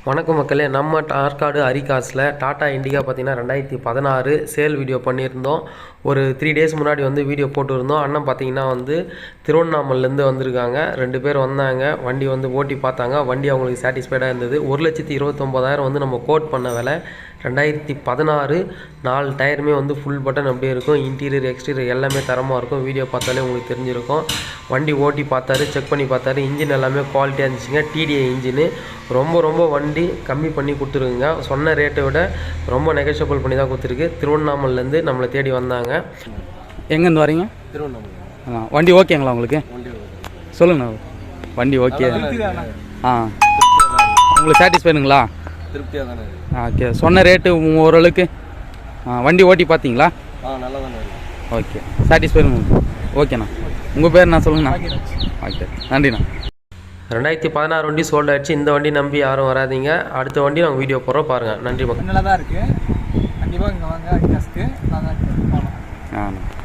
வணக்கம் மக்களே, நம்ம ஆற்காடு அரிகாஸில் டாடா இண்டிகா பார்த்திங்கன்னா 2016 சேல் வீடியோ பண்ணியிருந்தோம். ஒரு 3 days முன்னாடி வந்து வீடியோ போட்டுருந்தோம். அண்ணன் பார்த்திங்கன்னா வந்து திருவண்ணாமலேருந்து வந்திருக்காங்க. 2 பேர் வந்தாங்க. வண்டி வந்து ஓட்டி பார்த்தாங்க. வண்டி அவங்களுக்கு சாட்டிஸ்ஃபைடாக இருந்தது. 1,29,000 வந்து நம்ம கோட் பண்ண விலை. 2016 4 டயருமே வந்து ஃபுல் பட்டன் அப்படியே இருக்கும். இன்டீரியர் எக்ஸ்டீரியர் எல்லாமே தரமாக இருக்கும். வீடியோ பார்த்தாலே உங்களுக்கு தெரிஞ்சிருக்கும். வண்டி ஓட்டி பார்த்தாரு, செக் பண்ணி பார்த்தாரு. இன்ஜின் எல்லாமே குவாலிட்டியாக இருந்துச்சுங்க. டிடிஐ இன்ஜினு ரொம்ப வண்டி கம்மி பண்ணி கொடுத்துருக்குங்க. சொன்ன ரேட்டை விட ரொம்ப நெகோஷியபிள் பண்ணி தான் கொடுத்துருக்கு. திருவண்ணாமலேருந்து நம்மளை தேடி வந்தாங்க. எங்கேருந்து வரீங்க? திருவண்ணாமலை. வண்டி ஓகேங்களா உங்களுக்கு? சொல்லுங்கண்ணா. வண்டி ஓகே. உங்களுக்கு சாட்டிஸ்ஃபைடுங்களா? திருப்தியாக தானே. ஓகே. சொன்ன ரேட்டு ஓரளவுக்கு வண்டி ஓட்டி பார்த்தீங்களா? நல்லா தானே. ஓகே, சாட்டிஸ்ஃபைடுங்க. ஓகேண்ணா. உங்கள் பேர் நான் சொல்லுங்கண்ணா. ஓகே, நன்றிண்ணா. 2016 வண்டி சோல்ட் ஆகிடுச்சு. இந்த வண்டி நம்பி யாரும் வராதிங்க. அடுத்த வண்டி நாங்கள் வீடியோ போடுறோம், பாருங்கள். நன்றி மக்கள். நல்லா தான் இருக்குது. கண்டிப்பாக இங்கே வாங்க. அடிக்காஸ்க்கு நான் தான். ஆ.